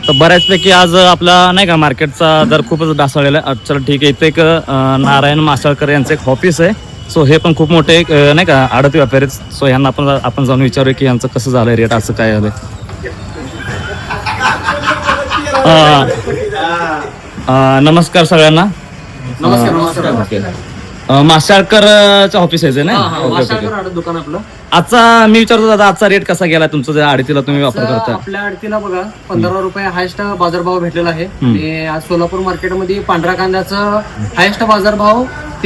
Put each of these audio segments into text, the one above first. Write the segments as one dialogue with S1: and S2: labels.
S1: तर बऱ्याचपैकी आज आपला नाही का मार्केटचा दर खूपच ढासळलेला आहे. चला ठीक आहे. इथे एक नारायण मासाळकर यांचं एक ऑफिस आहे. सो हे पण खूप मोठे एक नाही का आडती व्यापारी आहेत. सो ह्यांना आपण जाऊन विचारूया की यांचं कसं झालंय रेट, असं काय झालंय. नमस्कार सगळ्यांना.
S2: नमस्कार.
S1: मासाळकरचं ऑफिस आहे ना.
S2: दुकान आपलं.
S1: आजचा मी विचारतो दादा, आजचा रेट कसा गेला तुमचा ज्या आडतीला तुम्ही वापर करता?
S2: आपल्या आडतीला बघा 15 रुपये हायस्ट बाजारभाव भेटलेला आहे. आणि आज सोलापूर मार्केटमध्ये पांढऱ्या कांद्याचं हायस्ट बाजारभाव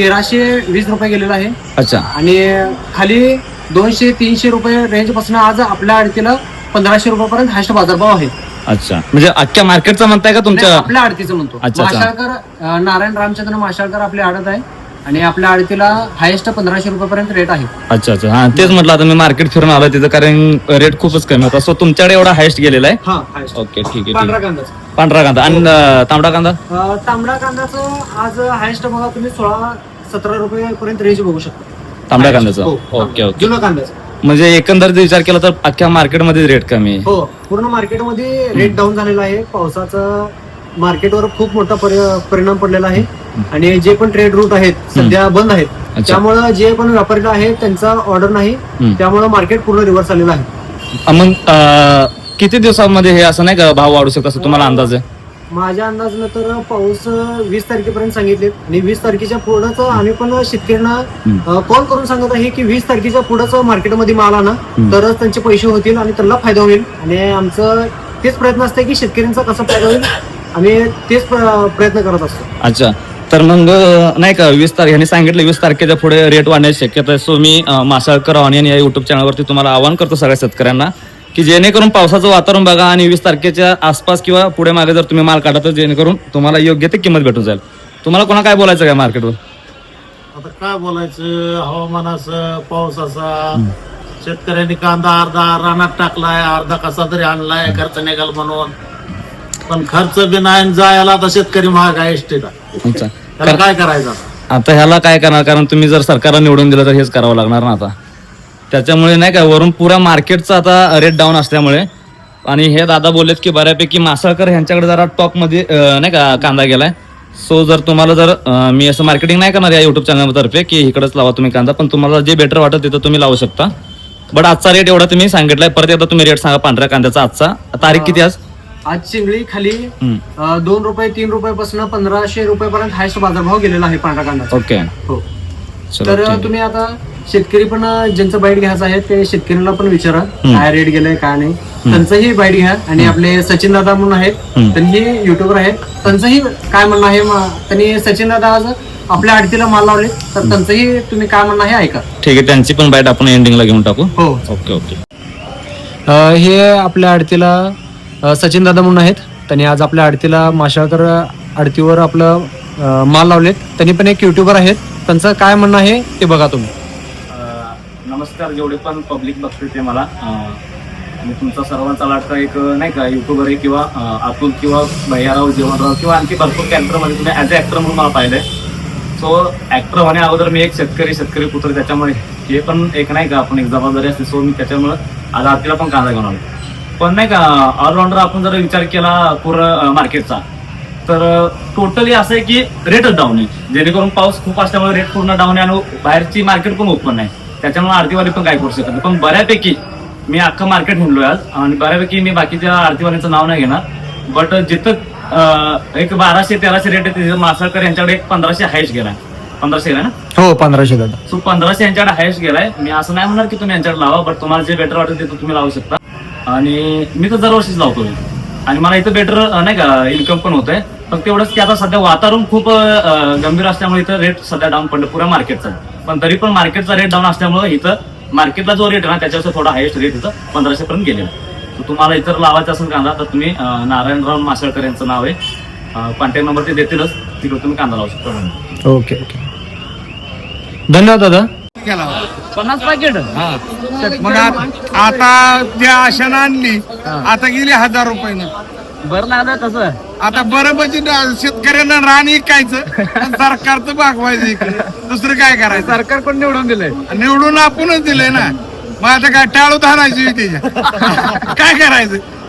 S2: 1320 रुपये गेलेला आहे.
S1: अच्छा.
S2: आणि खाली 200-300 रुपये रेंज पासून आज आपल्या आडतीला 1500 रुपयापर्यंत हायस्ट बाजारभाव आहे.
S1: अच्छा, म्हणजे अख्ख्या मार्केटचा म्हणताय का तुमच्या?
S2: आपल्या आडतीचं म्हणतो. माशाळकर नारायण रामचंद्र माशाळकर आपली आडत आहे आणि आपल्या आडतीला हायस्ट 1500 रुपयापर्यंत रेट आहे.
S1: अच्छा अच्छा. हा तेच म्हटलं, आता मी मार्केट फिरून आलो तिथं, कारण रेट खूपच कमी होता. सो तुमच्याकडे एवढा हायस्ट गेलेला आहे? ओके ठीक आहे.
S2: पांढरा कांदा.
S1: पांढरा कांदा आणि तांबडा कांदा?
S2: तांबडा कांद्याचं आज हायस्ट बघा तुम्ही 16-17 रुपये पर्यंत रेंज बघू शकता
S1: तांबड्या कांद्याचं. Okay okay.
S2: जुना कांद्याचं.
S1: म्हणजे एकंदरीत विचार केला तर अख्ख्या मार्केटमध्ये रेट कमी आहे?
S2: हो, पूर्ण मार्केटमध्ये रेट डाऊन झालेला आहे. पावसाचा मार्केटवर खूप मोठा परिणाम पडलेला आहे आणि जे पण ट्रेड रूट आहेत सध्या बंद आहेत, त्यामुळे जे पण व्यापारी आहेत त्यांचा ऑर्डर नाही, त्यामुळे मार्केट पूर्ण रिव्हर्स आलेलं आहे.
S1: मग किती दिवसांमध्ये हे असं नाही का भाव वाढू शकतो असं तुम्हाला अंदाज आहे?
S2: माझ्या अंदाजानं तर पाऊस 20 तारखेपर्यंत सांगितले आणि 20 तारखेच्या पुढंच आम्ही पण शेतकऱ्यांना कॉल करून सांगत आहे की 20 तारखेच्या पुढंच मार्केटमध्ये माल आणा, तरच त्यांचे पैसे होतील आणि त्यांना फायदा होईल. आणि आमचं तेच प्रयत्न असते की शेतकऱ्यांचा कसा फायदा होईल, आम्ही तेच प्रयत्न करत असतो.
S1: अच्छा, तर मग नाही का 20 तारीख यांनी सांगितलं 20 तारखेच्या पुढे रेट वाढण्याची शक्यता आहे. सो मी मासाळकर ऑनियन या युट्यूब चॅनलवरती तुम्हाला आवाहन करतो सगळ्या शेतकऱ्यांना की जेणेकरून पावसाचं वातावरण बघा आणि 20 तारखेच्या आसपास किंवा पुढे मागे जर तुम्ही माल काढा तर जेणेकरून तुम्हाला योग्य ते किंमत भेटून जाईल. तुम्हाला कोणा काय बोलायचं काय मार्केटवर?
S3: आता काय बोलायचं, हवामानाचं, पावसाचा, शेतकऱ्यांनी कांदा अर्धा रानात टाकलाय, अर्धा कसा तरी आणलाय खर्च निघाल म्हणून, पण खर्च बी नाही जायला आता शेतकरी महाग आहे एसटीला. त्याला काय करायचं
S1: आता? ह्याला काय करणार, कारण तुम्ही जर सरकारला निवडून दिलं तर हेच करावं लागणार ना आता. त्याच्यामुळे नाही का वरून पुरा मार्केटचा आता रेट डाऊन असल्यामुळे, आणि हे दादा बोललेत की बऱ्यापैकी मासाळकर ह्यांच्याकडे जरा टॉप मध्ये नाही का कांदा गेलाय. सो जर तुम्हाला जर मी असं मार्केटिंग नाही करणार या युट्यूब चॅनल तर्फे की इकडेच लावा तुम्ही कांदा, पण तुम्हाला जे बेटर वाटत तिथं तुम्ही लावू शकता. बट आजचा रेट एवढा तुम्ही सांगितलाय. परत एकदा तुम्ही रेट सांगा पांढऱ्या कांद्याचा आजचा. तारीख किती आज?
S2: आज चिंगळी खाली 2 रुपये 3 रुपयापासून 1500 रुपयापर्यंत हायस्ट बाजारभाव गेलेला आहे पांढरा कांदा.
S1: ओके.
S2: हो, तर तुम्ही आता शेतकरी पण ज्यांचं बाईट घ्यायचं आहे ते शेतकऱ्यांना पण विचारा काय रेट गेलाय काय नाही, त्यांचंही बाईट घ्या. आणि आपले सचिन दादा म्हणून आहेत, त्यांनी युट्यूबर आहेत, त्यांचंही काय म्हणणं आहे. त्यांनी सचिन दादा आज आपल्या आडतीला माल लावले, तर त्यांचंही तुम्ही काय म्हणणं आहे ऐका.
S1: ठीक आहे, त्यांची पण बाईट आपण एंडिंगला घेऊन टाकू.
S2: हो
S1: ओके ओके.
S2: हे आपल्या आडतीला सचिन दादा म्हणून आहेत, त्यांनी आज आपल्या आडतीला माशाळकर आडतीवर आपलं माल लावलेत. त्यांनी पण एक युट्यूबर आहेत, त्यांचं काय म्हणणं आहे ते बघा तुम्ही.
S1: नमस्कार, जेवढे पण पब्लिक बघते ते मला, मी तुमचा सर्वांचा लाडका एक नाही का युट्यूबर आहे, किंवा अतुल किंवा भैयाराव जीवनराव किंवा आणखी भरपूर कॅरेक्टरमध्ये तुम्ही ॲज अ ॲक्टर म्हणून मला पाहिलंय. सो ॲक्टर होण्या अगोदर मी एक शेतकरी पुत्र, त्याच्यामुळे हे पण एक नाही का आपण एक जबाबदारी असते. सो मी त्याच्यामुळे आज आरतीला पण कांदा घेऊन आलो. पण नाही का ऑलराऊंडर आपण जर विचार केला पूर्ण मार्केटचा, तर टोटली असं आहे की रेटच डाऊन आहे, जेणेकरून पाऊस खूप असल्यामुळे रेट पूर्ण डाऊन आहे आणि बाहेरची मार्केट पण ओपन आहे. त्याच्यामुळे आरतीवाली पण काय करू शकत नाही. पण बऱ्यापैकी मी अख्खं मार्केट हिंडलोय आज, आणि बऱ्यापैकी मी बाकीच्या आरतीवाल्यांचं नाव नाही घेणार, बट जिथं एक 1200-1300 रेट आहे तिथं मासाळकर यांच्याकडे एक 1500 हायस्ट गेलाय. 1500 गेलाय ना?
S2: हो, 1500 दादा.
S1: सो 1500 यांच्याकडे हायस्ट गेलाय. मी असं नाही म्हणणार की तुम्ही यांच्याकडे लावा, बट तुम्हाला जे बेटर वाटेल ते तुम्ही लावू शकता. आणि मी तर दरवर्षीच लावतोय आणि मला इथं बेटर नाही का इन्कम पण होत आहे. फक्त एवढंच की आता सध्या वातावरण खूप गंभीर असल्यामुळे इथं रेट सध्या डाऊन पडलं पुऱ्या मार्केटचा. पण तरी पण मार्केटचा रेट डाऊन असल्यामुळे इथं मार्केटला जो रेट आहे ना त्याच्यावर थोडा हायस्ट रेट इथं 1500 पर्यंत गेलेला. तर तुम्हाला इतर लावायचं असेल कांदा तर तुम्ही नारायणराव मासाळकर यांचं नाव आहे, कॉन्टॅक्ट नंबर ते देतीलच, तिकडे तुम्ही कांदा लावू शकता.
S2: ओके ओके, धन्यवाद दादा.
S1: 50 पॅकेट.
S3: मग आता त्या आशानं आणली, आता गेली 1000 रुपये.
S1: बरं लागलं कसं?
S3: आता बरं म्हणजे शेतकऱ्यांना रान ऐकायचं, सरकारचं भागवायचं इकडे, दुसरं काय करायचं.
S1: सरकार कोण निवडून दिलंय?
S3: निवडून आपणच दिलंय ना. मग आता काय टाळू धारायची त्याच्या काय करायचं.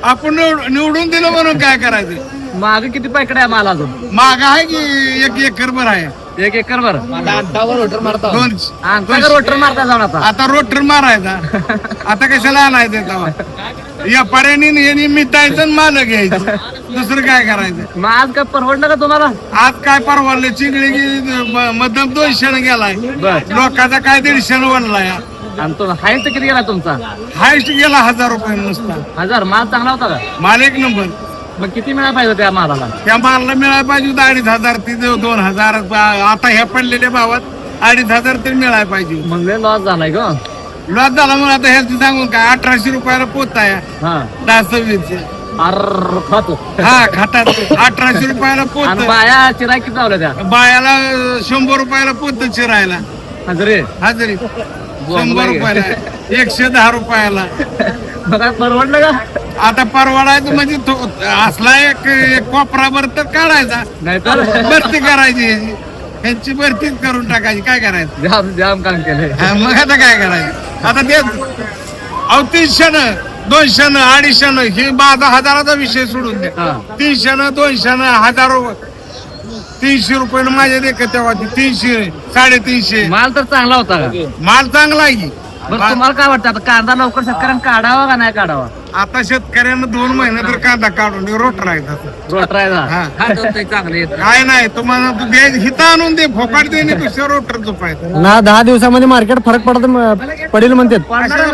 S3: आपण निवडून दिलं म्हणून काय करायचं.
S4: माग किती पॅकेट आहे माल अजून?
S3: माग आहे की 1 एकर भर आहे.
S4: 1 एकर भर.
S3: दोन
S4: आमचा रोटर मारता जाऊन
S3: आता रोटर मारायचा. आता कशाला आणायचं तेव्हा या पर्यानी यांनी मिटायचं माल घ्यायचं. दुसरं काय करायचं.
S4: मग आज काय परवडलं का तुम्हाला?
S3: आज काय परवडलं. चिंगडी मध्यम 200 गेलाय. लोकांचा काय 150 वडलाय.
S4: आणि तो हायस्ट किती गेला तुमचा?
S3: हायस्ट गेला 1000 रुपये नुसता.
S4: 1000. माल चांगला होता का?
S3: माल 1 नंबर.
S4: मग किती मिळायला पाहिजे त्या मालाला?
S3: त्या मालला मिळायला पाहिजे 2500 ते 2000. आता ह्या पडलेल्या भावात 2500 तरी मिळायला पाहिजे.
S4: मग लॉस झालाय का?
S3: लॉस झाला म्हणून आता ह्याचं सांगून काय 1800 रुपयाला पोत आहे.
S4: हा
S3: 10-26.
S4: अर खातो.
S3: हा खातात 1800 रुपयाला
S4: आणि
S3: पोत.
S4: बाया चिराय किती लावल्या त्या?
S3: बायाला 100 रुपयाला पोत चिरायला.
S4: हजरे
S3: हजरी 100 रुपयाला 110 रुपयाला.
S4: मग काय परवडलं का?
S3: आता परवडायचं म्हणजे असला एक कोपराभर तर काढायचा.
S4: नाही तर
S3: भरती करायची ह्यांची भरतीच करून टाकायची. काय करायचं.
S4: जाम जाम काम केलंय.
S3: हा, मग आता काय करायचं. आता ते 300 200 250 हे 10,000चा विषय सोडून द्या.
S4: हा.
S3: 300 200 1000 300 रुपये माझ्या देखत तेव्हा 300 350.
S4: माल तर चांगला होता का?
S3: माल चांगला आहे की.
S4: बरं तुम्हाला काय वाटतं आता कांदा लवकर शेतकऱ्यांना काढावा का नाही काढावा?
S3: आता शेतकऱ्यांना 2 महिने तर कांदा काढून रोट राहायचा.
S4: रोटरायचा
S3: हा.
S4: चांगले
S3: काय नाही तुम्हाला तू हिथं आणून दे फोकाट दे नाही दुसऱ्या रोटर झोपायचं.
S2: ना 10 दिवसामध्ये मार्केट फरक पडेल म्हणतात.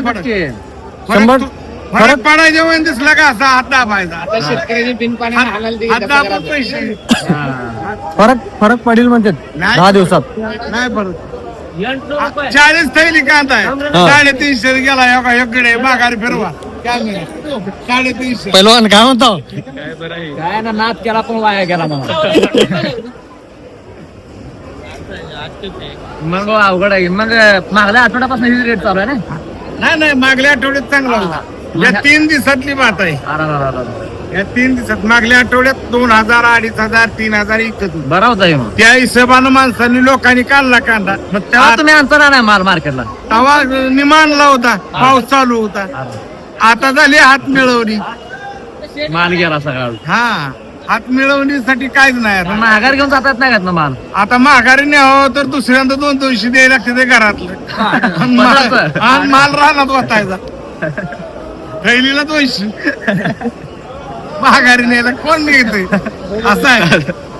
S3: फरक पडायच्या वेळी दिसला का असा हात दाबायचा. हात दाबून पैसे
S2: फरक पडेल म्हणतात
S3: नाही.
S2: 10 दिवसात.
S3: नाही परत 40 थैली कांदा आहे. 350 गेला एकडे माघारी फिरवा. काय नाही 350.
S2: पहिलवान काय म्हणतो.
S4: काय ना नाद केला पण वाया गेला मला. मग अवघड आहे. मग मागल्या आठवड्यापासून ही रेट चालू आहे ना?
S3: नाही मागल्या आठवड्यात चांगला होता. या 3 दिवसातली बात आहे. या 3 दिवसात मागल्या आठवड्यात 2000 2500 3000 इकत होतं.
S4: बरा होता हे मग.
S3: त्या हिशोबानं माणसांनी लोकांनी काढला कांदा.
S4: मग तेव्हा तुम्ही आणता नाही माल मार्केटला?
S3: तवा निमानला होता. पाऊस चालू होता. आता झाली हात मिळवणी.
S4: माल गेला सगळा.
S3: हा हात मिळवणीसाठी काहीच नाही आता.
S4: माघार घेऊन जातात नाही का माल?
S3: आता माघारी न्यावं तर दुसऱ्यांदा 200 द्यायला लागते ते घरातलं. आणि माल रानात वाटायचा. थैलीला 200 माघारी न्यायला कोण नेते असं आहे.